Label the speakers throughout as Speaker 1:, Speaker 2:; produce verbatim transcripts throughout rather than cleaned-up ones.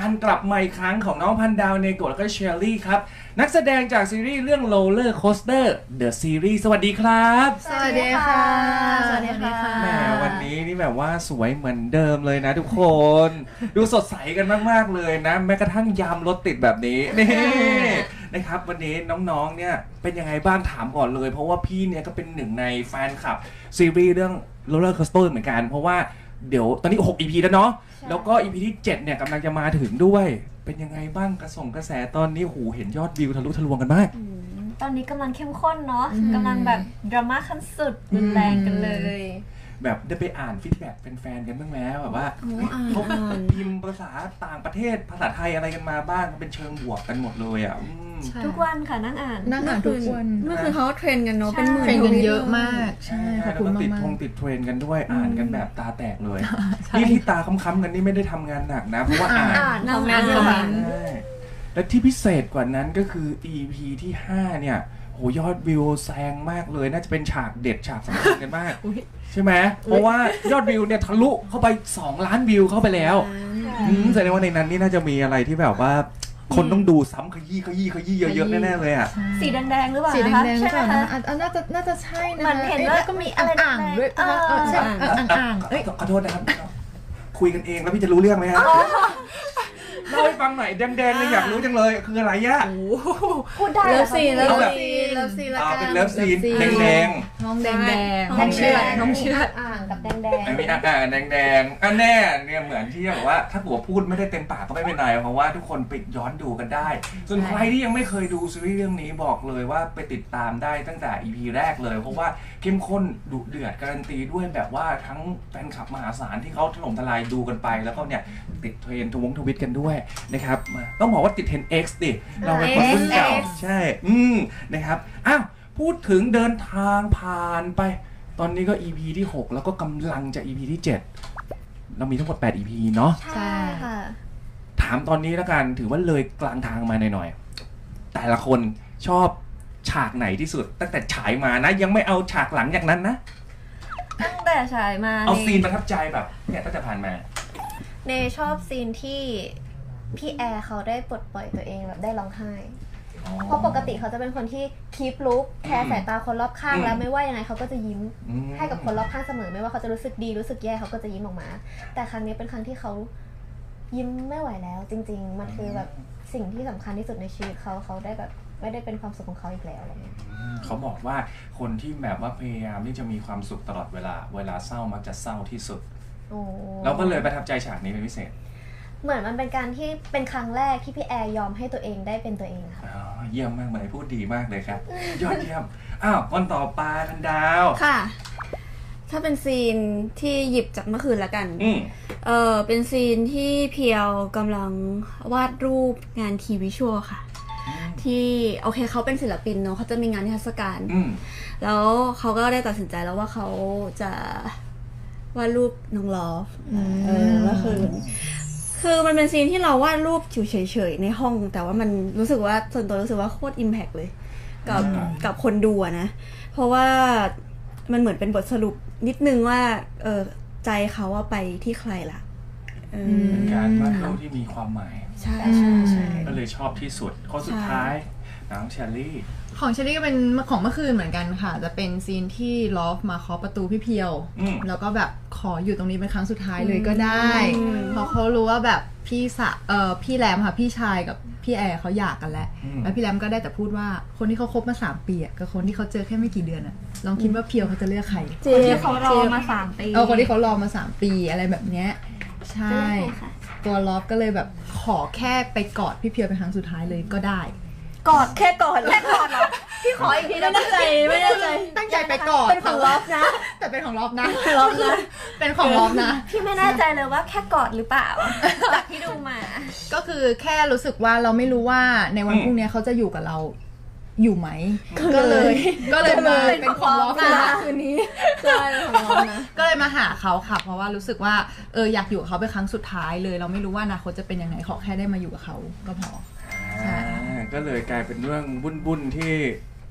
Speaker 1: การกลับมาอีกครั้งของน้องพันดาวเนโกะแล้วก็เชอรี่ครับนักแสดงจากซีรีส์เรื่อง Roller Coaster The Series สวัสดีครับ
Speaker 2: สวัสดีค่ะ
Speaker 3: สวัสดีค่ะ
Speaker 1: แหมวันนี้นี่แบบว่าสวยเหมือนเดิมเลยนะทุกคน ดูสดใสกันมากๆเลยนะแม้กระทั่งยามรถติดแบบนี้นี่นะครับวันนี้น้องๆเนี่ยเป็นยังไงบ้างถามก่อนเลยเพราะว่าพี่เนี่ยก็เป็นหนึ่งในแฟนคลับซีรีส์เรื่อง Roller Coaster เหมือนกันเพราะว่าเดี๋ยวตอนนี้หก อี พี แล้วเนาะแล้วก็ อี พี ที่เจ็ดเนี่ยกำลังจะมาถึงด้วยเป็นยังไงบ้างกระส่งกระแสตอนนี้หูเห็นยอดวิวทะลุทะลวงกันมาก
Speaker 3: ตอนนี้กำลังเข้มข้นเนาะกำลังแบบดราม่าขั้นสุดรุนแรงกันเลย
Speaker 1: แบบได้ไปอ่านฟีดแบ็กแฟนๆกันบ้างแล้วแบบว่าเขาพิมพ์ภาษาต่างประเทศภาษาไทยอะไรกันมาบ้างเป็นเชิงบวกกันหมดเลยอ่ะ
Speaker 3: ทุกวันค่ะนั่งอ่าน
Speaker 2: นั่งอ่านทุกวัน
Speaker 4: เมื่อคืนเขาเทรนกันเนาะเป็นหมื่น
Speaker 2: เทรนกันเยอะมากใช่ขอบคุณมาก
Speaker 1: ติดทงติดเทรนกันด้วยอ่านกันแบบตาแตกเลยนี่ที่ตาค้ำๆกันนี่ไม่ได้ทำงานหนักนะเพราะว่าอ่าน
Speaker 3: ทำงานเยอะ
Speaker 1: และที่พิเศษกว่านั้นก็คือ อี พี ที่ห้าเนี่ยโหยอดวิวแซงมากเลยน่าจะเป็นฉากเด็ดฉากสำคัญกันมากใช่ไหมเพราะว่ายอดวิวเนี่ยทะลุเข้าไปสองล้านวิวเข้าไปแล้วแสดงว่าในนั้นนี่น่าจะมีอะไรที่แบบว่าคนต้องดูซ้ำขยี้ขยี้ขยี้เยอะๆแน่ๆเลยอ่ะ
Speaker 3: สีแดงๆหรือเปล่า
Speaker 2: สีแดงๆ
Speaker 3: ใช่ไหมคะ
Speaker 2: น่าจะน่าจะใช่นะ
Speaker 3: มันเห็นแล้ว
Speaker 2: ก็มีอ่างๆด้วยใช่อ่างๆเอ้ย
Speaker 1: ขอโทษนะครับคุยกันเองแล้วพี่จะรู้เรื่องไหมฮะเล่าให้ฟังหน่อยแดงๆเลยอยากรู้จังเลยคืออะไรยะ
Speaker 3: พูดได้
Speaker 2: เลิฟซีนเลิฟซีนเลิฟซีนละกัน
Speaker 1: เป็นเลิฟซีนแดง
Speaker 2: ๆน้องแดงๆ
Speaker 3: น้องเชือด
Speaker 2: น้องเชือด
Speaker 3: อ่างกับแดง
Speaker 1: ๆไม่มีอ่างแดงๆอันแน่เนี่ยเหมือนที่บอกว่าถ้าหัวพูดไม่ได้เต็มปากก็ไม่เป็นไรเพราะว่าทุกคนไปย้อนดูกันได้ส่วนใครที่ยังไม่เคยดูซีรีส์เรื่องนี้บอกเลยว่าไปติดตามได้ตั้งแต่ อี พี แรกเลยเพราะว่าเข้มข้นดุเดือดการันตีด้วยแบบว่าทั้งแฟนคลับมหาศาลที่เขาถล่มทลายดูกันไปแล้วก็เนี่ยติดเทรนด์ทวงทวิตกันด้วยนะครับต้องบอกว่าติดเทรนด์ X ดิเราเป็นคนรุ่นเก่าใช่อืมนะครับอ้าวพูดถึงเดินทางผ่านไปตอนนี้ก็ อี พี ที่หกแล้วก็กำลังจะ อี พี ที่เจ็ดเรามีทั้งหมดแปด อี พี เนาะ
Speaker 3: ใช่ค่ะ
Speaker 1: ถามตอนนี้แล้วกันถือว่าเลยกลางทางมาหน่อยๆแต่ละคนชอบฉากไหนที่สุดตั้งแต่ฉายมานะยังไม่เอาฉากหลังจากนั้นนะ
Speaker 3: ตั้งแต่ฉายมา
Speaker 1: เอาซีนประทับใจแบบเนี่ยตั้งแต่ผ่านมา
Speaker 3: เนชอบซีนที่พี่แอร์เขาได้ปลดปล่อยตัวเองแบบได้ร้องไห้เพราะปกติเขาจะเป็นคนที่คีปลุกแคร์สายตาคนรอบข้างแล้วไม่ว่ายังไงเขาก็จะยิ้มให้กับคนรอบข้างเสมอไม่ว่าเขาจะรู้สึกดีรู้สึกแย่เขาก็จะยิ้มออกมาแต่ครั้งนี้เป็นครั้งที่เขายิ้มไม่ไหวแล้วจริงๆมันคือแบบสิ่งที่สำคัญที่สุดในชีวิตเขาเขาได้แบบไม่ได้เป็นความสุขของเขาอีกแล้วอะไรเงี้ย
Speaker 1: เขาบอกว่าคนที่แบบว่าพยายามที่จะมีความสุขตลอดเวลาเวลาเศร้ามักจะเศร้าที่สุดเราก็เลยประทับใจฉากนี้เป็นพิเศษ
Speaker 3: เหมือนมันเป็นการที่เป็นครั้งแรกที่พี่แอร์ยอมให้ตัวเองได้เป็นตัวเองค่ะ
Speaker 1: เยี่ยมมากเลยพูดดีมากเลยครับยอดเยี่ยมอ้าวคนต่อไปพันดาว
Speaker 4: ค่ะถ้าเป็นซีนที่หยิบจากเมื่อคืนละกันเออเป็นซีนที่เพียวกำลังวาดรูปงานทีวิชวลค่ะที่โอเคเขาเป็นศิลปินเนาะเขาจะมีงานนิทรรศการแล้วเขาก็ได้ตัดสินใจแล้วว่าเขาจะวาดรูปน้องลอฟเออเมื่อคืนคือมันเป็นซีนที่เราวาดรูปอยู่เฉยๆในห้องแต่ว่ามันรู้สึกว่าส่วนตัวรู้สึกว่าโคตรอิมแพคเลยกับกับคนดูนะเพราะว่ามันเหมือนเป็นบทสรุปนิดนึงว่าเออใจเขาว่าไปที่ใครล่ะ
Speaker 1: เป็นการวาดรูปที่มีความหมาย
Speaker 4: ใช่ใช่
Speaker 1: ก็เลยชอบที่สุดข้อสุดท้ายน้องเชอรี่
Speaker 2: ของเชอรี่ก็เป็นของเมื่อคืนเหมือนกันค่ะจะเป็นซีนที่ลอฟมาเคาะประตูพี่เพียวแล้วก็แบบขออยู่ตรงนี้เป็นครั้งสุดท้ายเลยก็ได้เพราะเขารู้ว่าแบบพี่สะเอ่อพี่แรมค่ะพี่ชายกับพี่แอร์เขาหย่ากันแล้วแล้วพี่แรมก็ได้แต่พูดว่าคนที่เขาคบมาสามปีอ่ะกับคนที่เขาเจอแค่ไม่กี่เดือนอ่ะลองคิดว่าเพียวเขาจะเลือกใคร
Speaker 3: คนที่เขารอมาสามปี
Speaker 2: เออคนที่เขารอมาสามปีอะไรแบบเนี้ยใช่ตัวลอฟก็เลยแบบขอแค่ไปกอดพี่เพียวเป็นครั้งสุดท้ายเลยก็ได้
Speaker 3: กอดแค่กอดแค่กอดเหรอพี่ขออีกทีนะตั้งใจไม่ได้ใจ
Speaker 2: ตั้งใจไปกอด
Speaker 3: เป็นของลอฟนะ
Speaker 2: แต่เป็นของลอฟนะลอฟนะเป็นของลอฟนะ
Speaker 3: พี่ไม่แน่ใจเลยว่าแค่กอดหรือเปล่าจากที่ดูมา
Speaker 2: ก็คือแค่รู้สึกว่าเราไม่รู้ว่าในวันพรุ่งนี้เขาจะอยู่กับเราอยู่ไหมก็เลยก็เลยมาเป็นของลอฟนะคืนนี้
Speaker 3: ใช่ของลอฟนะ
Speaker 2: ก็เลยมาหาเขาค่ะเพราะว่ารู้สึกว่าเอออยากอยู่กับเขาเป็นครั้งสุดท้ายเลยเราไม่รู้ว่าอนาคตจะเป็นยังไงขอแค่ได้มาอยู่กับเขาก็พอ
Speaker 1: ก็เลยกลายเป็นเรื่องบุญบุญที่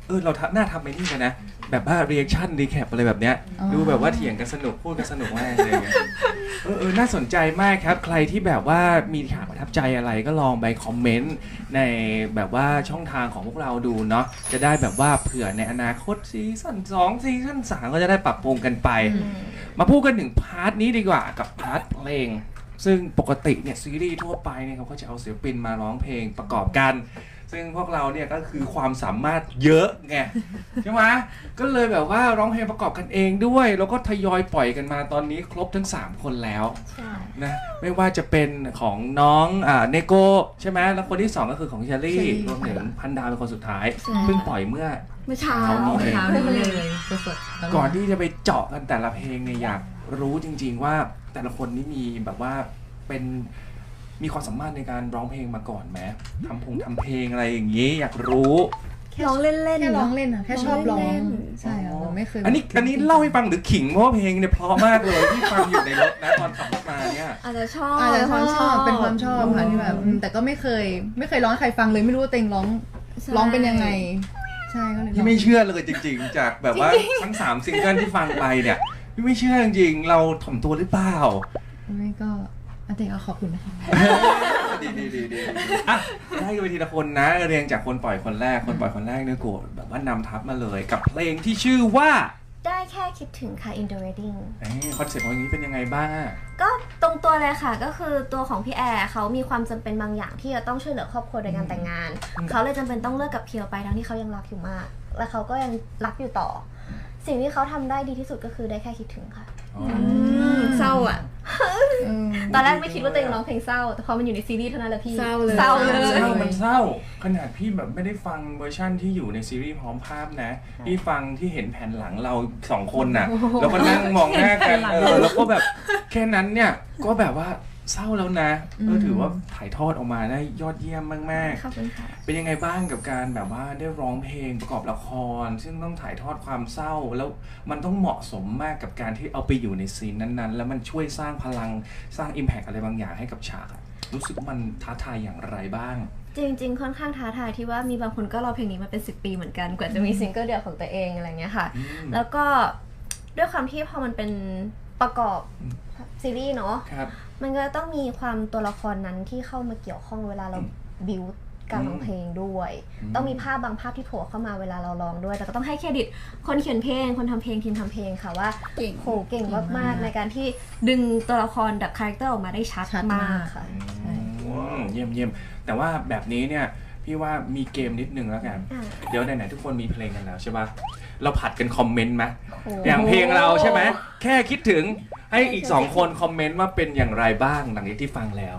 Speaker 1: เออเราหน้าทำไปนี่กันนะแบบว่า reaction recap อะไรแบบเนี้ยดูแบบว่าเถียงกันสนุกพูดกันสนุกมากเลยเออเออน่าสนใจมากครับใครที่แบบว่ามีฉากประทับใจอะไรก็ลองไปคอมเมนต์ในแบบว่าช่องทางของพวกเราดูเนาะจะได้แบบว่าเผื่อในอนาคตซีซั่นสองซีซั่นสามก็จะได้ปรับปรุงกันไปมาพูดกันถึงพาร์ทนี้ดีกว่ากับพาร์ทเพลงซึ่งปกติเนี่ยซีรีส์ทั่วไปเนี่ยเขาก็จะเอาศิลปินมาร้องเพลงประกอบกันซึ่งพวกเราเนี่ยก็คือความสามารถเยอะไงใช่ไหมก็เลยแบบว่าร้องเพลงประกอบกันเองด้วยแล้วก็ทยอยปล่อยกันมาตอนนี้ครบทั้งสามคนแล้วนะไม่ว่าจะเป็นของน้องอ่าเนโกใช่ไหมแล้วคนที่สองก็คือของเชอรี่รวมถึงพันดาวเป็นคนสุดท้ายเพิ่งปล่อยเมื่อ
Speaker 4: เมื่อเช้า
Speaker 2: เช้านี้เลยสดๆ
Speaker 1: ก่อนที่จะไปเจาะกันแต่ละเพลงเนี่ยอยากรู้จริงๆว่าแต่ละคนนี่มีแบบว่าเป็นมีความสามารถในการร้องเพลงมาก่อนไหมทำพงทำเพลงอะไรอย่างนี้อยากรู้
Speaker 4: ร้องเล่นๆ
Speaker 2: แค่ร้องเล่นอะแค่ชอบร้อง
Speaker 4: เล่น
Speaker 2: ใช่ค่ะเราไม่เคย
Speaker 1: อันนี้อันนี้เล่าให้ฟังหรือขิงเพราะว่าเพลงเนี่ยเพราะมากเลยที่ฟังอยู่ในรถนะตอนขับรถมาเนี่ย
Speaker 4: อาจจะชอบ
Speaker 2: อาจจะความชอบเป็นความชอบค่ะที่แบบอืมแต่ก็ไม่เคย ไม่เคยร้องให้ใครฟังเลยไม่รู้ว่าตัวเองร้องร้องเป็นยังไงใช่ก็เลย
Speaker 1: พี่ไม่เชื่อเลยจริงๆ จากแบบว่าทั้งสามซิงเกิลที่ฟังไปเนี่ยพี่ไม่เชื่อจริงๆเราถ่อมตัวหรือเปล่า
Speaker 2: ไม่ก็อาเด็กเอาขอบคุณนะคะ
Speaker 1: ดีดีดีดีอ่ะได้กันไปทีละคนนะเรียงจากคนปล่อยคนแรกคนปล่อยคนแรกเนี่ยโกรธแบบว่านำทัพมาเลยกับเพลงที่ชื่อว่า
Speaker 3: ได้แค่คิดถึงค่ะ in the wedding
Speaker 1: คอนเซ็ปต์ของอย่างนี้เป็นยังไงบ้าง
Speaker 3: ก็ตรงตัวเลยค่ะก็คือตัวของพี่แอร์เขามีความจำเป็นบางอย่างที่จะต้องช่วยเหลือครอบครัวโดยการแต่งงานเขาเลยจำเป็นต้องเลิกกับเพียวไปทั้งที่เขายังรักอยู่มาก และเขาก็ยังรักอยู่ต่อ สิ่งที่เขาทำได้ดีที่สุดก็คือได้แค่คิดถึงค่ะ
Speaker 4: เศร้าอ่ะ
Speaker 3: ตอนแรกไม่คิดว่าตัวเองร้องเพลงเศร้าแต่พอมันอยู่ในซีรีส์เท่านั้นแหละพี่
Speaker 4: เศร้าเลย
Speaker 3: เศร้าเลย
Speaker 1: เศร้ามันเศร้าขนาดพี่แบบไม่ได้ฟังเวอร์ชั่นที่อยู่ในซีรีส์พร้อมภาพนะพี่ฟังที่เห็นแผ่นหลังเราสองคนน่ะแล้วก็นั่งมองหน้ากันเออแล้วก็แบบแค่นั้นเนี่ยก็แบบว่าเศร้าแล้วนะเออถือว่าถ่ายทอดออกมาได้ยอดเยี่ยมมาก
Speaker 3: ขอบคุณค่ะ
Speaker 1: ๆเป็นยังไงบ้างกับการแบบว่าได้ร้องเพลงประกอบละคร ซึ่งต้องถ่ายทอดความเศร้าแล้วมันต้องเหมาะสมมากกับการที่เอาไปอยู่ในซีนนั้นๆ แล้วมันช่วยสร้างพลังสร้าง impact อะไรบางอย่างให้กับฉากอะรู้สึกว่ามันท้าทายอย่างไรบ้าง
Speaker 3: จริงๆ ค่อนข้างท้าทายที่ว่ามีบางคนก็รอเพลงนี้มาเป็นสิบปีเหมือนกันกว่าจะมีซิงเกิลเดียวของตัวเองอะไรเงี้ยค่ะ แล้วก็ด้วยความที่พอมันเป็นประกอบซีรีส์เนาะ
Speaker 1: ครับ
Speaker 3: มันก็ต้องมีความตัวละครนั้นที่เข้ามาเกี่ยวข้องเวลาเราบิวการร้องเพลงด้วย ต้องมีภาพบางภาพที่โผล่เข้ามาเวลาเราร้องด้วยแต่ก็ต้องให้เครดิตคนเขียนเพลงคนทำเพลงทีมทำเพลงค่ะว่า
Speaker 4: เก่ง
Speaker 3: โหเก่งมากๆในการที่ดึงตัวละครแบบคาแรคเตอร์ออกมาได้ชัด
Speaker 2: ชัด
Speaker 3: มาม
Speaker 2: าก ก
Speaker 3: ค่ะ
Speaker 1: อืมเยี่ยมเยี่ยมแต่ว่าแบบนี้เนี่ยพี่ว่ามีเกมนิดนึงแล้วกัน
Speaker 3: อ่า
Speaker 1: เดี๋ยวไหนๆทุกคนมีเพลงกันแล้วใช่ปะเราผัดกันคอมเมนต์ไหม
Speaker 3: โอ้
Speaker 1: อย่างเพลงเราใช่ไหมแค่คิดถึงให้อีกสองคนคอมเมนต์ว่าเป็นอย่างไรบ้างหลังจากที่ฟังแล้ว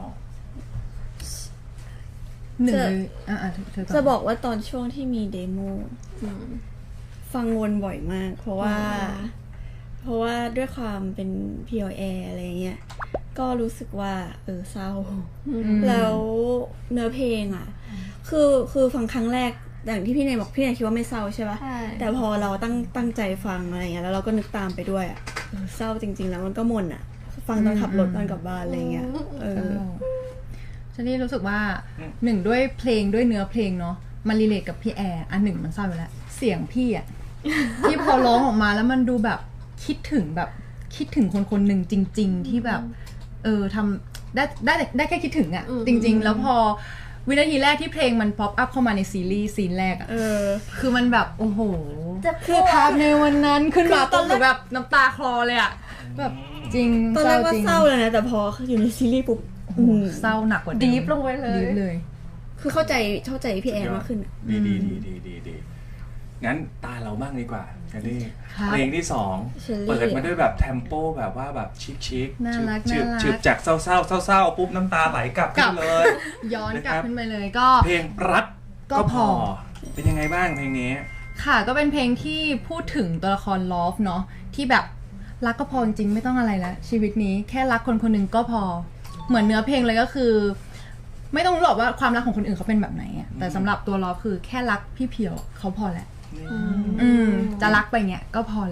Speaker 2: หนึ่งเลยอ่ะเธอ
Speaker 4: จะบอกว่าตอนช่วงที่มีเดโมฟังวนบ่อยมาก เพราะว่า เพราะว่าด้วยความเป็น พี แอล อะไรเงี้ยก็รู้สึกว่าเออเศร้า แล้วเนื้อเพลงอ่ะ คือคือฟังครั้งแรกอย่างที่พี่เนยบอกพี่เนยคิดว่าไม่เศร้าใช่ปะ
Speaker 3: ใช่
Speaker 4: แต่พอเราตั้งตั้งใจฟังอะไรเงี้ยแล้วเราก็นึกตามไปด้วยอ่ะเออเศร้าจริง ๆ แล้วมันก็มนอ่ะ ฟังตอนขับรถตอนกลับบ้านอะไรเงี้ยเออ
Speaker 2: ฉันนี่รู้สึกว่าหนึ่งด้วยเพลงด้วยเนื้อเพลงเนาะมันรีเลทกับพี่แอร์อันหนึ่งมันเศร้าอยู่แล้วเสียงพี่อะ ที่พอร้องออกมาแล้วมันดูแบบคิดถึงแบบคิดถึงคนคนหนึ่งจริง ๆ ที่แบบเออทำได้ได้ได้แค่คิดถึงอะจริง ๆ แล้วพอวินาทีแรกที่เพลงมันป๊อปอัพเข้ามาในซีรีส์ซีนแรกอะ
Speaker 4: เออ
Speaker 2: คือมันแบบโอ้โห
Speaker 3: จะ
Speaker 2: คือภาพในวันนั้นขึ้นมาตอนแบบน้ำตาคลอเลยอะแบบจริง
Speaker 4: ตอนแรกว่า
Speaker 2: จง
Speaker 4: เศร้าเลยนะแต่พออยู่ในซีรีส์ปุ๊บ
Speaker 2: โอ้โหเศร้าหนักกว่าเดิม
Speaker 3: ดีฟลงไปเลย
Speaker 2: ดีฟเลย
Speaker 4: คือเข้าใจเข้าใจพี่แอนมากขึ้นอะ
Speaker 1: ดีดีดีดีดีดีงั้นตาเราบ้างดีกว่าเชอรี่
Speaker 2: ครับ
Speaker 1: เพลงที่สองเปิดมาด้วยแบบเทมโปแบบว่าแบบชิคชิค
Speaker 2: น่ารัก
Speaker 1: ฉืบ
Speaker 2: น่ารัก
Speaker 1: ฉืบจากเศร้าเศร้าเศร้าเศร้าปุ๊บน้ำตาไหลกลับ
Speaker 2: กลั
Speaker 1: ขึ้
Speaker 2: บ
Speaker 1: นเลย
Speaker 2: ย้อนกลับ
Speaker 1: นะครับ
Speaker 2: ขึ้นไปเลยก็
Speaker 1: เพลงรัก
Speaker 2: ก็
Speaker 1: ก็
Speaker 2: พ
Speaker 1: พ
Speaker 2: อ
Speaker 1: อ เป็นยังไงบ้างเพลงนี้
Speaker 2: ค่ะก็เป็นเพลงที่พูดถึงตัวละครลอฟเนาะที่แบบรักก็พอจริงๆไม่ต้องอะไรแล้วชีวิตนี้แค่รักคนคนหนึ่งก็พอเหมือนเนื้อเพลงเลยก็คือ ไม่ต้องรู้หรอกว่าความรักของคนอื่นเขาเป็นแบบไหนอะแต่สำหรับตัวลอฟคือแค่รักพี่เพียวเขาพอแหละอืมจะรักไปเงี้ยก็พอแหละ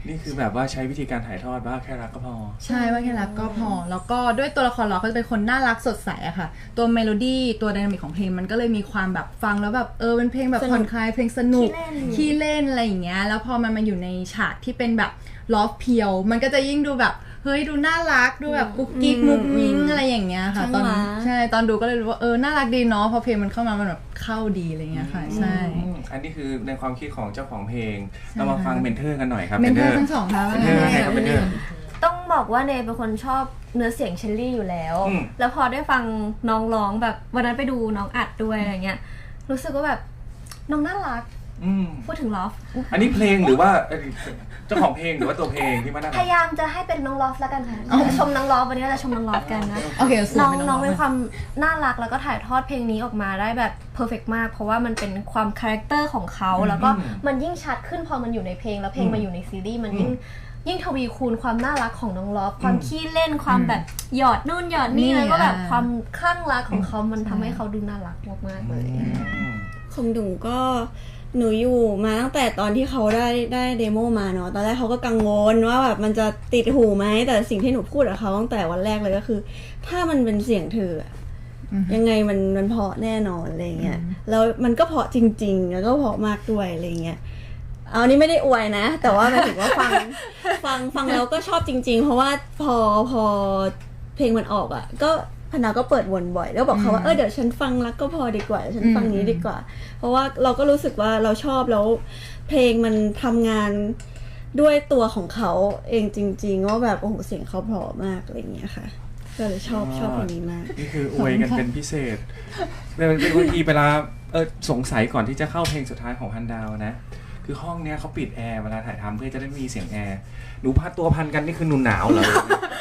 Speaker 1: นี่คือแบบว่าใช้วิธีการถ่ายทอดว่าแค่รักก็พอ
Speaker 2: ใช่ว่าแค่รักก็พอแล้วก็ด้วยตัวละครเราก็จะเป็นคนน่ารักสดใสอะค่ะตัวเมโลดี้ตัวไดนามิกของเพลงมันก็เลยมีความแบบฟังแล้วแบบเออเป็นเพลงแบบผ่อนคลายเพลงสนุกขี้เล่นอะไรอย่างเงี้ยแล้วพอมันมาอยู่ในฉากที่เป็นแบบลอฟเพียวมันก็จะยิ่งดูแบบเฮ้ยดูน่ารักดูแบบกุ๊กกิ๊กมุกมิ้งอะไรอย่างเงี้ยค่ะตอนใช่ตอนดูก็เลยรู้ว่าเออน่ารักดีเนาะพอเพลงมันเข้ามามันแบบเข้าดีอะไรเงี้ยค่ะใช่
Speaker 1: อันนี้คือในความคิดของเจ้าของเพลงเรามาฟังเมนเทอร์กันหน่อยครับ
Speaker 2: เมนเทอร์ทั้งสองค่ะ
Speaker 1: เมนเทอร์ใครครับเมนเทอร์
Speaker 3: ต้องบอกว่าเนยเป็นคนชอบเนื้อเสียงเชลลี่อยู่แล้วแล้วพอได้ฟังน้องร้องแบบวันนั้นไปดูน้องอัดด้วยอะไรเงี้ยรู้สึกว่าแบบน้องน่ารักพูดถึงลอฟ
Speaker 1: อันนี้เพลงหรือว่าเจ้าของเพลงหรือว่าตัวเพลงที่มันน่ารัก
Speaker 3: พยายามจะให้เป็นน้องลอฟแล้วกันค่ะชมน้องลอฟวันนี้เราจะชมน้องลอฟกันนะ
Speaker 2: โอเค
Speaker 3: น้องน้องเป็นความน่ารักแล้วก็ถ่ายทอดเพลงนี้ออกมาได้แบบเพอร์เฟกต์มากเพราะว่ามันเป็นความคาแรคเตอร์ของเขาแล้วก็มันยิ่งชัดขึ้นพอมันอยู่ในเพลงแล้วเพลงมาอยู่ในซีรีส์มันยิ่งยิ่งทวีคูณความน่ารักของน้องลอฟความขี้เล่นความแบบหยอดนู่นหยอดนี่แล้วก็แบบความคลั่งรักของเขามันทำให้เขาดูน่ารักมากๆเลย
Speaker 4: ของหนูก็หนูอยู่มาตั้งแต่ตอนที่เขาได้ได้เดโมมาเนาะตอนแรกเขาก็กังวลว่าแบบมันจะติดหูไหมแต่สิ่งที่หนูพูดกับเขาตั้งแต่วันแรกเลยก็คือถ้ามันเป็นเสียงเธอยังไงมันมันเพราะแน่นอนอะไรเงี้ยแล้วมันก็เพราะจริงๆแล้วก็เพราะมากด้วยอะไรเงี้ยเอานี่ไม่ได้อวยนะแต่ว่าหมายถึงว่าฟังฟังฟังแล้วก็ชอบจริงๆเพราะว่าพอพอเพลงมันออกอ่ะก็พนาก็เปิดวนบ่อยแล้วบอกเขาว่าเออเดี๋ยวฉันฟังรักก็พอดีกว่าฉันฟังนี้ดีกว่าเพราะว่าเราก็รู้สึกว่าเราชอบแล้วเพลงมันทำงานด้วยตัวของเขาเองจริงๆว่าแบบโอ้โหเสียงเขาเพราะมากอะไรอย่างเงี้ยค่ะก็เลยชอบชอบเพลงนี้มาก
Speaker 1: นี่คืออวยกันเป็นพิเศษเป็นเป็นบางทีเวลาเออสงสัยก่อนที่จะเข้าเพลงสุดท้ายของฮันดาวนะคือห้องเนี้ยเขาปิดแอร์เวลาถ่ายทำเพื่อจะได้มีเสียงแอร์หนูพัดตัวพันกันนี่คือหนูหนาวเหรอ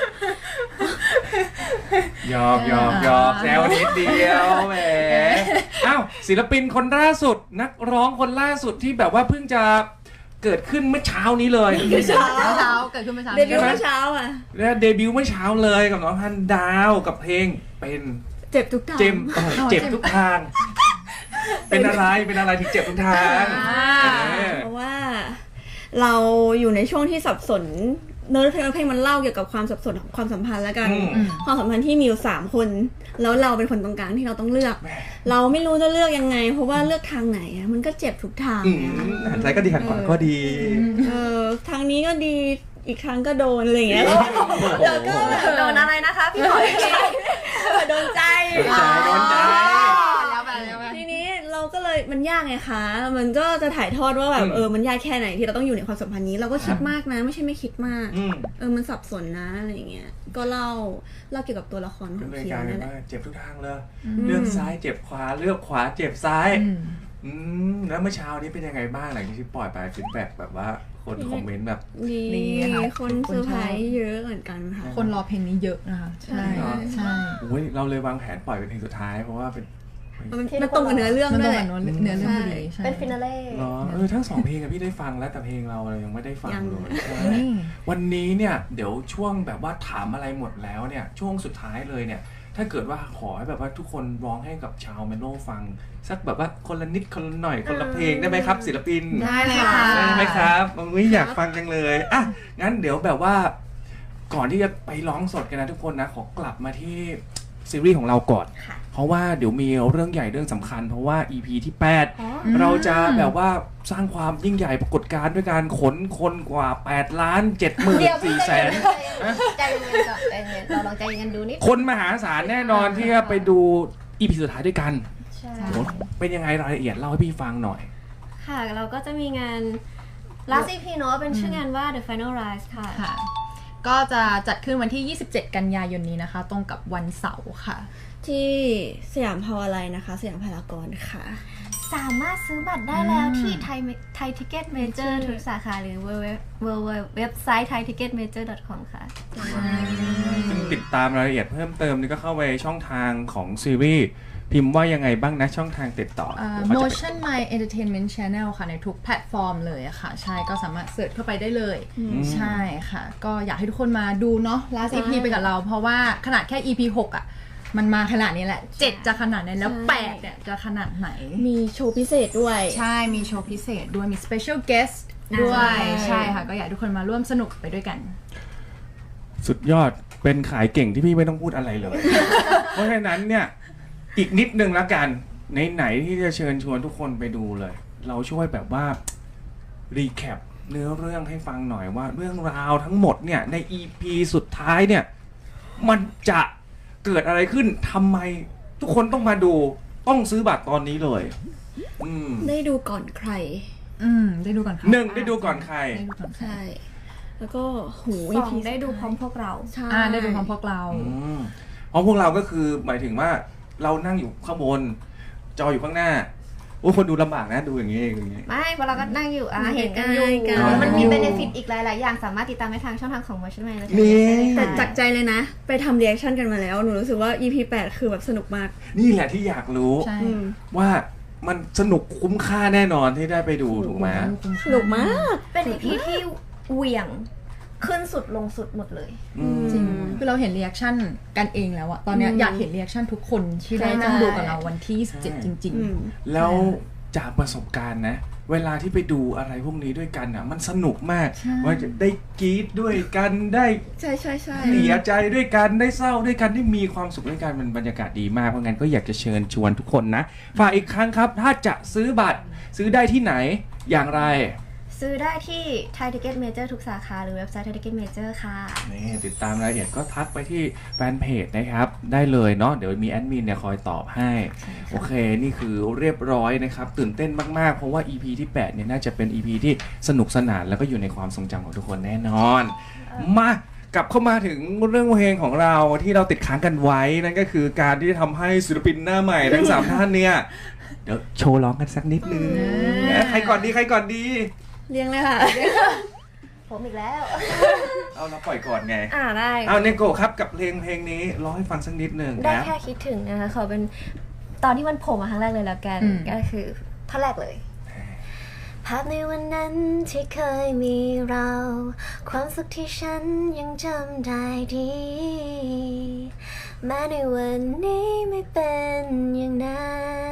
Speaker 1: หยอกหยอกหยอกแซวนิดเดียวแหมอ้าวศิลปินคนล่าสุดนักร้องคนล่าสุดที่แบบว่าเพิ่งจะเกิดขึ้นเมื่อเช้านี้เลย
Speaker 4: เมื่อเช้า
Speaker 2: เช้าเกิดขึ้นเมื่อเช้า
Speaker 4: เดบิวต์เมื่อเช้าอ่ะ
Speaker 1: แล้วเดบิวต์เมื่อเช้าเลยกับน้องฮันดาวกับเพลงเป็น
Speaker 4: เจ็บทุกทาง
Speaker 1: เจ็บเจ็บทุกทางเป็นอะไรเป็นอะไรที่เจ็บทุกทาง
Speaker 4: เพราะว่าเราอยู่ในช่วงที่สับสนเนื้อเพลงเพลงมันเล่าเกี่ยวกับความสับสนของความสัมพันธ์แล้วกันความสัมพันธ์ที่มีอยู่สามคนแล้วเราเป็นคนตรงกลางที่เราต้องเลือกเราไม่รู้จะเลือกยังไงเพราะว่าเลือกทางไหนมันก็เจ็บทุกทาง
Speaker 1: หันซ้ายก็ดีหันขวาก็ดี
Speaker 4: เออทางนี้ก็ดีอีกครั้งก็โดนอะไรอย่างเงี้ย
Speaker 3: แล้วก็โดนอะไรนะคะพี่หอย
Speaker 4: โดนใจ
Speaker 1: โดนใจ
Speaker 4: ทีนี้เราก็เลยมันยากไงคะมันก็จะถ่ายทอดว่าแบบเออมันยากแค่ไหนที่เราต้องอยู่ในความสัมพันธ์นี้เราก็คิดมากนะไม่ใช่ไม่คิดมากเออมันสับสนนะอะไรเงี้ยก็เล่าเล่าเกี่ยวกับตัวละครของเพียวนั่นแหละ
Speaker 1: เจ็บทุกทางเลยเลือกซ้ายเจ็บขวาเลือกขวาเจ็บซ้ายอืมแล้วเมื่อเช้านี้เป็นยังไงบ้างหลังจากที่ปล่อยไปฟีดแบ็กแบบว่าคนคอมเมนต์แบบ
Speaker 4: ดีคนเซอร์ไพรส์เยอะเหมือนกันค่ะ
Speaker 2: คนรอเพลงนี้เยอะนะคะใช่ใช่
Speaker 1: โอ้ยเราเลยวางแผนปล่อยเป็นเพลงสุดท้ายเพราะว่าเป็น
Speaker 4: มันตรงกับเนื้อเรื่องด้วยแหละ
Speaker 2: เนื้อเรื่องพอดี
Speaker 3: เป็นฟินาเล่
Speaker 1: เนาะเออทั้งสองเพลงอะพี่ได้ฟังแล้วแต่เพลงเรายังไม่ได้ฟังเลยวันนี้เนี่ยเดี๋ยวช่วงแบบว่าถามอะไรหมดแล้วเนี่ยช่วงสุดท้ายเลยเนี่ยถ้าเกิดว่าขอให้แบบว่าทุกคนร้องให้กับชาวเมโลฟังสักแบบว่าคนละนิดคนละหน่อยคนละเพลงได้ไหมครับศิลปิน
Speaker 2: ได้เลยค่ะ
Speaker 1: ได้ไหมครับอุ้ยอยากฟังจังเลยอ่ะงั้นเดี๋ยวแบบว่าก่อนที่จะไปร้องสดกันนะทุกคนนะขอกลับมาที่ซีรีส์ของเราก่อนเพราะว่าเดี๋ยวมีเรื่องใหญ่เรื่องสำคัญเพราะว่า อี พี ที่แปดเราจะแบบว่าสร้างความยิ่งใหญ่ปรากฏการณ์ด้วยการขนคนกว่าแปดล้านเจ็ดหมื่นสี่แสน
Speaker 3: ใจเย็นก่อนใจเย็นเราลองใจเย็นดูนิด
Speaker 1: คนมหาศาลแน่นอนที่จะไปดู อี พี สุดท้ายด้วยกันเป็นยังไงรายละเอียดเล่าให้พี่ฟังหน่อย
Speaker 3: ค่ะเราก็จะมีงาน last อี พี เนาะเป็นชื่องานว่า The Final Rise ค่ะ
Speaker 2: ก็จะจัดขึ้นวันที่ยี่สิบเจ็ดกันยายนนี้นะคะตรงกับวันเสาร์ค่ะ
Speaker 4: ที่สยามพาวาไลน์นะคะสยามพารากอนค่ะ
Speaker 3: สามารถซื้อบัตรได้แล้วที่ไทยไทยทิเก็ตเมเจอร์ทุกสาขาหรือเว็บไซต์ ไทยทิเก็ตเมเจอร์ ดอท คอม ค่ะ
Speaker 1: ซึ่งติดตามรายละเอียดเพิ่มเติมนี่ก็เข้าไปช่องทางของซีรีส์พิมพ์ว่ายังไงบ้างนะช่องทางติดต่อ
Speaker 2: Motion My Entertainment Channel ค่ะในทุกแพลตฟอร์มเลยค่ะใช่ก็สามารถเสิร์ชเข้าไปได้เลยใช่ค่ะก็อยากให้ทุกคนมาดูเนาะ last อี พี ไปกับเราเพราะว่าขนาดแค่ อี พี หกอ่ะมันมาขนาดนี้แหละเจ็ดจะขนาดไหนแล้วแปดเนี่ยจะขนาดไหน
Speaker 4: มีโชว์พิเศษด้วย
Speaker 2: ใช่มีโชว์พิเศษด้วยมี special guest ด้วยใช่ค่ะก็อยากให้ทุกคนมาร่วมสนุกไปด้วยกัน
Speaker 1: สุดยอดเป็นขายเก่งที่พี่ไม่ต้องพูดอะไรเลย เพราะฉะนั้นเนี่ยอีกนิดนึงละกันในไหนที่จะเชิญชวนทุกคนไปดูเลย เราช่วยแบบว่ารีแคปเนื้อเรื่องให้ฟังหน่อยว่าเรื่องราวทั้งหมดเนี่ยใน อี พี สุดท้ายเนี่ยมันจะเกิดอะไรขึ้นทำไมทุกคนต้องมาดูต้องซื้อบัตรตอนนี้เลยอืม
Speaker 4: ได้ดูก่อนใคร
Speaker 2: อืมได้ดูก่อนค่ะ
Speaker 1: หนึ่งได้ดูก่อนใคร
Speaker 2: ได้ดูก่อนใคร
Speaker 4: ใช่ แล้วก็หู
Speaker 3: สองได้ดูพร้อมพวกเรา
Speaker 4: ใช่
Speaker 2: อ่าได้ดูพร้อมพวกเรา
Speaker 1: อืมเพราะพวกเราก็คือหมายถึงว่าเรานั่งอยู่ข้างบนจออยู่ข้างหน้าโอ้คนดูลำบากนะดูอย่างนี้อย่างนี้
Speaker 3: ไม่เพราะเราก็นั่งอยู่อ่ะเห็นกันอยู่
Speaker 4: กัน
Speaker 3: มันมีเบนฟิตอีกหลายๆอย่างสามารถติดตามได้ทางช่องทางของ Motion Man และ
Speaker 1: นี่
Speaker 4: แต่จากใจเลยนะ ไปทำเรีแอคชั่นกันมาแล้ว หนูรู้สึกว่า อี พี แปดคือแบบสนุกมาก
Speaker 1: นี่แหละที่อยากรู้
Speaker 2: ใช่
Speaker 4: อืม
Speaker 1: ว่ามันสนุกคุ้มค่าแน่นอนที่ได้ไปดูถูกไหม
Speaker 4: สนุกมาก
Speaker 3: เป็น อี พี ที่เหวี่ยงขึ้นสุดลงสุดหมดเลย
Speaker 1: อืม
Speaker 2: จริงคือเราเห็นรีแอคชั่นกันเองแล้วอะตอนเนี้ย
Speaker 4: อืม
Speaker 2: อยากเห็นรีแอคชั่นทุกคนที่ได้นั่งดูกับเราวันที่ยี่สิบเจ็ดจริง
Speaker 4: อืม
Speaker 1: แล้วจากประสบการณ์นะ เวลาที่ไปดูอะไรพวกนี้ด้วยกันอ่ะ มันสนุกมาก
Speaker 2: ใช่
Speaker 1: ว่าจะได้กรี๊ดด้วยกันได้
Speaker 4: ใช่ใช่ใช่
Speaker 1: เสียใจด้วยกันได้เศร้าด้วยกันได้มีความสุขด้วยกันมันบรรยากาศดีมากเพราะงั้นก็อยากจะเชิญชวนทุกคนนะฝากอีกครั้งครับ ถ้าจะซื้อบัตรซื้อได้ที่ไหนอย่างไร
Speaker 3: ซื้อได้ที่ Thai Ticket Major ทุกสาขาหรือเว็บไซต์ Thai Ticket Major ค่ะ
Speaker 1: นี่ติดตามรายละเอียดก็ทักไปที่แฟนเพจนะครับได้เลยเนาะเดี๋ยวมีแอดมินเนี่ยคอยตอบให้โอเคนี่คือเรียบร้อยนะครับตื่นเต้นมากๆเพราะว่า อี พี ที่แปดเนี่ยน่าจะเป็น อี พี ที่สนุกสนานแล้วก็อยู่ในความทรงจำของทุกคนแน่นอนมากลับเข้ามาถึงเรื่องเพลงของเราที่เราติดค้างกันไว้นั่นก็คือการที่ทำให้ศิลปินหน้าใหม่ทั้งสามท่านเนี่ยเดี๋ยวโชว์ร้องกันสักนิดนึงใครก่อนดีใครก่อนดี
Speaker 4: เรียงเลยค่ะ
Speaker 3: ผมอีกแล้ว
Speaker 1: เอาเราปล่อยก่อนไง
Speaker 3: อ่าได้
Speaker 1: เอาเนโกะครับกับเพลงเพลงนี้ร้องให้ฟังสักนิดหนึ่ง
Speaker 3: ได้
Speaker 1: นะ
Speaker 3: แค่คิดถึงนะคะขอเป็นตอนที่มันโผล่มาครั้งแรกเลยแล้วกัน
Speaker 2: อืม
Speaker 3: ก็คือท่อนแรกเลย ภาพในวันนั้นที่เคยมีเรา ความสุขที่ฉันยังจำได้ดีแม้ในวันนี้ไม่เป็นอย่างนั้น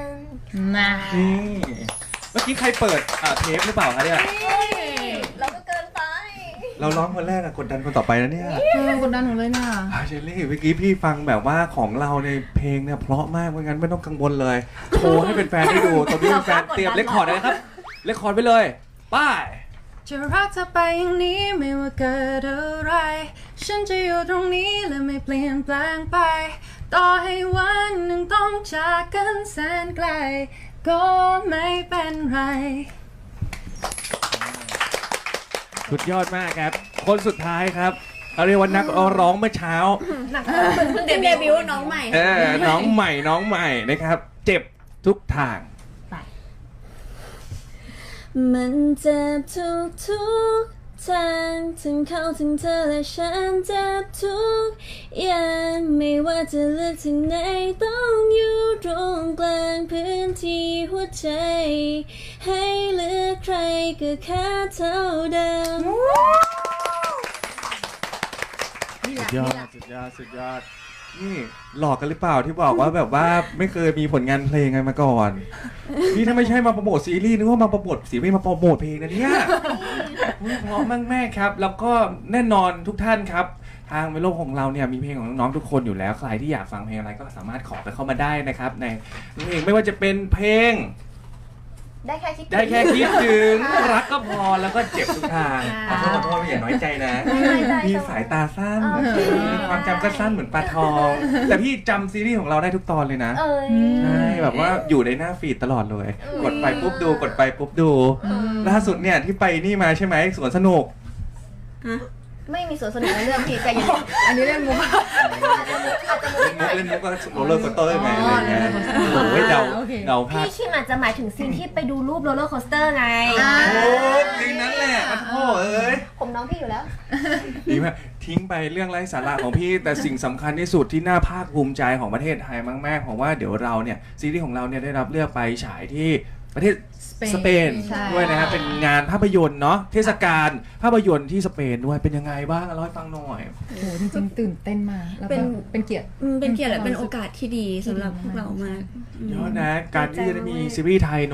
Speaker 2: ๆนะ
Speaker 1: นี่เมื่อกี้ใครเปิดอ่าเทปหรือเปล่าคะเนี่ย
Speaker 3: เราก็เกินไป
Speaker 1: เราร้องคนแรกอะกดดันคนต่อไปแล้วเนี่ย
Speaker 2: เออกดดันหนูเลยน่ะ
Speaker 1: อ่าเชลลี่เมื่อกี้พี่ฟังแบบว่าของเราในเพลงเนี่ยเพราะมากเพราะงั้นไม่ต้องกังวลเลย โชว์ให้เป็นแฟนๆได้ดูตอนนี้แฟนๆเตรียมเรคคอร์ดเลยนะครับเรคคอร์ดไปเลยไป้าย
Speaker 2: จะรักเธอไปอย่างนี้ไม่ว่าเกิดอะไร ฉันจะอยู่ตรงนี้และไม่เปลี่ยนแปลงไป ต่อให้วันหนึ่งต้องจากกันแสนไกล ก็ไม่เป็นไร
Speaker 1: สุดยอดมากครับ คนสุดท้ายครับเขาเรียกว่านักร้องเมื่อเช้า
Speaker 4: เพิ่งเดบิวต์น้องใหม่
Speaker 1: เออน้องใหม่น้องใหม่นะครับ เจ็บทุกทาง
Speaker 4: มันเจ็บทุกทุกทางถึงเขาถึงเธอและฉันเจ็บทุกอย่างไม่ว่าจะเลือกทางไหนต้องอยู่ตรงกลางพื้นที่หัวใจให้เลือกใครก็แค่เท่าเดิม
Speaker 1: สุดยอดสุดยอดสุดยอดนี่หลอกกันหรือเปล่าที่บอกว่าแบบว่าไม่เคยมีผลงานเพลงไงมาก่อน นี่ถ้าไม่ใช่มาโปรโมทซีรีส์นึกว่ามาโปรโมทซีรีส์มาโปรโมทเพลงนะเนี่ยเพราะมากแม่ครับ แล้วก็แน่นอนทุกท่านครับ ทางเมโลของเราเนี่ยมีเพลงของน้องๆทุกคนอยู่แล้วใครที่อยากฟังเพลงอะไรก็สามารถขอไปเข้ามาได้นะครับในเพลงไม่ว่าจะเป็นเพลง
Speaker 3: ได้แค่คิดถึง
Speaker 1: ได้แค่คิดถึงรักก็พอแล้วก็เจ็บทุกทางขอโทษขอโทษอย่าน้อยใจนะ
Speaker 3: ไม่น้อยใจ
Speaker 1: พี่สายตาสั้น
Speaker 3: โอเค
Speaker 1: ความจำก็สั้นเหมือนปลาทอง แต่พี่จำซีรีส์ของเราได้ทุกตอนเลยนะ
Speaker 3: เอ้ย
Speaker 1: ใช่แบบว่าอยู่ในหน้าฟีดตลอดเลย
Speaker 3: อืม
Speaker 1: กดไปปุ๊บดูกดไปปุ๊บดูล่าสุดเนี่ยที่ไปนี่มาใช่ไหมสวนสนุก
Speaker 3: ไม่มีสวนสนุกในเรื่องพี่ใจเย็น
Speaker 2: อันนี้เล่นมุก
Speaker 3: อาจจะมุกอาจจะมุก
Speaker 1: เล่น
Speaker 3: หน่
Speaker 1: มุ
Speaker 3: อก ย
Speaker 1: เล่นมุกก็โรลเลอร์โคสเตอร์ไงอะไรเงี้ย
Speaker 2: อ๋อ
Speaker 1: โอ้ยเดา
Speaker 2: โอเค
Speaker 1: เดาพลาด
Speaker 3: พี่คิมอาจจะหมายถึงซีนที่ไปดูรูปโรลเลอร์โคสเตอร์ไง
Speaker 2: อ่า
Speaker 1: โอ้ทีนั้นแหละมันโถ่เอ้ย
Speaker 3: ผมน้องพี่อยู่แล้ว
Speaker 1: ดีมากทิ้งไปเรื่องไร้สาระของพี่ แต่สิ่งสำคัญที่สุดที่น่าภาคภูมิใจของประเทศไทยมากๆเพราะว่าเดี๋ยวเราเนี่ยซีรีส์ของเราเนี่ยได้รับเลือกไปฉายที่ประเทศ
Speaker 2: สเปน
Speaker 1: สเปน
Speaker 2: ใช่
Speaker 1: ด้วยนะครับเป็นงานภาพยนตร์เนาะเทศกาลภาพยนตร์ที่สเปนด้วยเป็นยังไงบ้างเล่าให้ฟังหน่อย
Speaker 2: โอ้โหจริงๆตื่นเต้นมากแล้ว
Speaker 4: เป็น
Speaker 2: ก็เป็นเกียรติ
Speaker 4: อืมเป็นเกียรติและเป็นโอกาสที่ดีสำหรับพวกเรามาก
Speaker 1: ยอดนะการที่จะได้มีซีรีส์ไทยเนาะ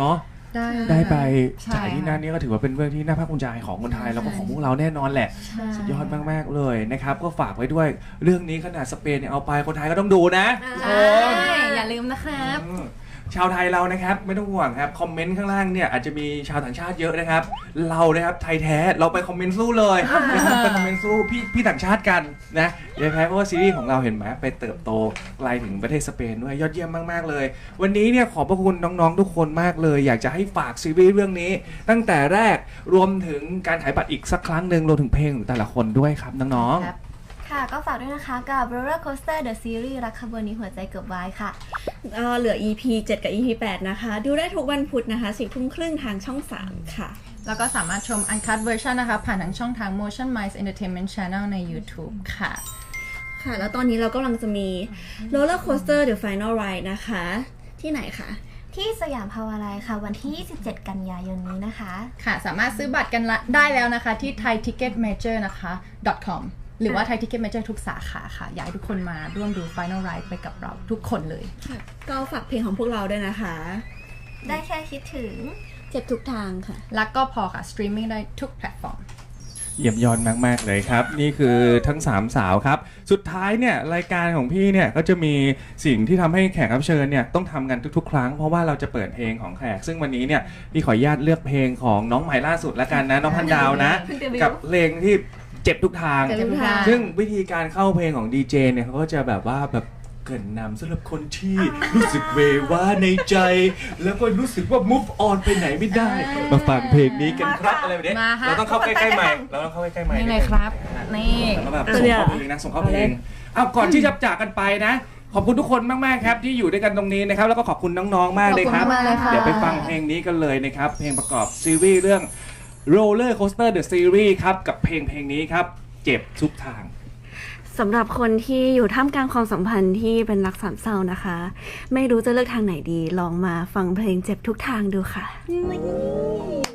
Speaker 2: ได้
Speaker 5: ได้ไป
Speaker 2: ใช่
Speaker 5: จ่ายที่นั่นนี่ก็ถือว่าเป็นเรื่องที่น่าภาคภูมิใจของคนไทยแล้วก็ของพวกเราแน่นอนแหละ
Speaker 2: ใช่
Speaker 5: สุดยอดมากๆเลยนะครับก็ฝากไว้ด้วยเรื่องนี้ขนาดสเปนเนี่ยเอาไปคนไทยก็ต้องดูนะ
Speaker 2: ใช่อย่าลืมนะครับ
Speaker 5: อืมชาวไทยเรานะครับไม่ต้องห่วงครับคอมเมนต์ข้างล่างเนี่ยอาจจะมีชาวต่างชาติเยอะนะครับเรานะครับไทยแท้เราไปคอมเมนต์สู้เลยนะครับไปคอมเมนต์สู้พี่พี่ต่างชาติกันนะนะครับเพราะว่าซีรีส์ของเราเห็นไหมไปเติบโตไกลถึงประเทศสเปนด้วยยอดเยี่ยมมากๆเลยวันนี้เนี่ยขอบพระคุณน้องๆทุกคนมากเลยอยากจะให้ฝากซีรีส์เรื่องนี้ ตั้งแต่แรกรวมถึงการขายบัตรอีกสักครั้งหนึ่งรวมถึงเพลงของแต่ละคนด้วยครับน้องๆ
Speaker 2: ครับ
Speaker 3: ค่ะก็ฝากด้วยนะคะกับ Roller Coaster The Series รักขบวนนี้หัวใจเกือบวายค่ะ
Speaker 4: เอ่อเหลือ อี พี เจ็ด กับ อี พี แปด นะคะ ดูได้ทุกวันพุธนะคะสี่ทุ่มครึ่งทางช่อง สาม ค่ะ
Speaker 2: แล้วก็สามารถชม Uncut Version นะคะ ผ่านทางช่องทาง Motion Minds Entertainment Channel ใน YouTube ค่ะ
Speaker 4: ค่ะ แล้วตอนนี้เรากำลังจะมี Roller Coaster The Final Ride นะคะ ที่ไหนคะ
Speaker 3: ที่สยามพาวาไลน์ค่ะ วันที่ ยี่สิบเจ็ด กันยายนนี้นะคะ
Speaker 2: ค่ะ สามารถซื้อบัตรกันละได้แล้วนะคะที่ thai ticket major นะคะ .com หรือว่า Thai Ticket Major ทุกสาขาค่ะ อยากให้ทุกคนมาร่วมดู Final Ride ไปกับเราทุกคนเลย
Speaker 4: ค่ะ ก็ฝากเพลงของพวกเราด้วยนะคะ
Speaker 3: ได้แค่คิดถึง
Speaker 4: เจ็บทุกทางค่ะ
Speaker 2: แล้วก็พอค่ะ streaming ได้ทุกแพลตฟอร์ม
Speaker 5: เยี่ยมยอดมากๆเลยครับนี่คือทั้งสามสาวครับสุดท้ายเนี่ยรายการของพี่เนี่ยก็จะมีสิ่งที่ทำให้แขกรับเชิญเนี่ยต้องทำกันทุกๆ ครั้งเพราะว่าเราจะเปิดเพลงของแขกซึ่งวันนี้เนี่ยพี่ขออนุญาตเลือกเพลงของน้องใหม่ล่าสุดละกันนะน้องพันดาวนะ
Speaker 4: เพิ่งเดบิวต์
Speaker 5: กับเพลงที่เจ็บทุกทาง
Speaker 2: เจ็บทุกทาง
Speaker 5: ซึ่งวิธีการเข้าเพลงของดีเจเนี่ยเขาก็จะแบบว่าแบบเกรินนำสำหรับคนที่รู้สึกเวว่าในใจ แล้วก็รู้สึกว่า move on ไปไหนไม่ได้ มาฟังเพลงนี้กันครับอะไรแบบนี้
Speaker 2: มาฮะ
Speaker 5: เราต้องเข้าใกล้ๆใหม่เราต้องเข้าใกล้ๆใหม่
Speaker 2: นี่เลยครับ นี่
Speaker 5: แล้วก็แบบส่งเข้าเพลงนะส่งเข้าเพลงเอาก่อนที่จะจากกันไปนะ ขอบคุณทุกคนมากๆครับที่อยู่ด้วยกันตรงนี้นะครับแล้วก็ขอบคุณน้องๆมากเลยครับ
Speaker 2: ขอบคุณมากเลยค่ะ
Speaker 5: เดี๋ยวไปฟังเพลงนี้กันเลยนะครับเพลงประกอบซีรีส์เรื่อง Roller Coaster The Series ครับกับเพลงเพลงนี้ครับเจ็บทุกทาง
Speaker 4: สำหรับคนที่อยู่ท่ามกลางความสัมพันธ์ที่เป็นรักสามเศร้านะคะ ไม่รู้จะเลือกทางไหนดี ลองมาฟังเพลงเจ็บทุกทางดูค่ะ